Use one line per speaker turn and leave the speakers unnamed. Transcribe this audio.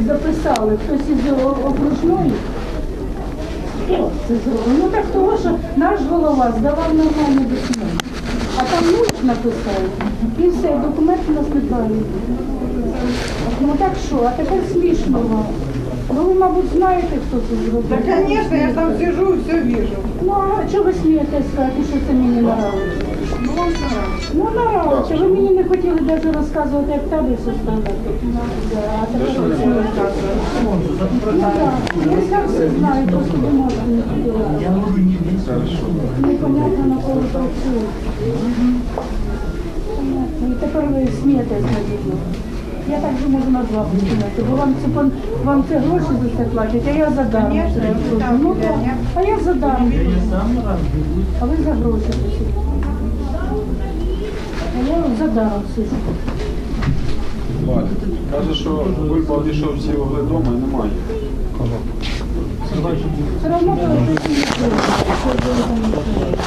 записали, хтось із окружної. Хто це зробив? Ну так того, що наш голова здавав нормальні документи. А там нуль написали. І все, документи у нас не правильні. Ну так що, а тепер смішно вам. Ну ви, мабуть, знаєте, хто це зробив.
Да, конечно, я там сижу и все вижу.
Ну а чого ви смієтесь сказати, що це мені не нравиться?
Ну, он нравится.
Ну нравиться. Ви мені не хотіли навіть розказувати, як табель составляти. А тепер ви смієтесь. Ну так, я сам все знаю, просто не можу не хотіла. Непонятно, на кого працює. Понятно. І тепер ви смієтесь надійно. Я так же можу на два починати, бо вам це гроші за це платять, а я задаром.
Конечно, там,
Ну так, а я задаром. А ви за гроші сидите. А я задаром сижу.
Каже, що Бульба обійшов всі угли дому і немає.
Все одно, що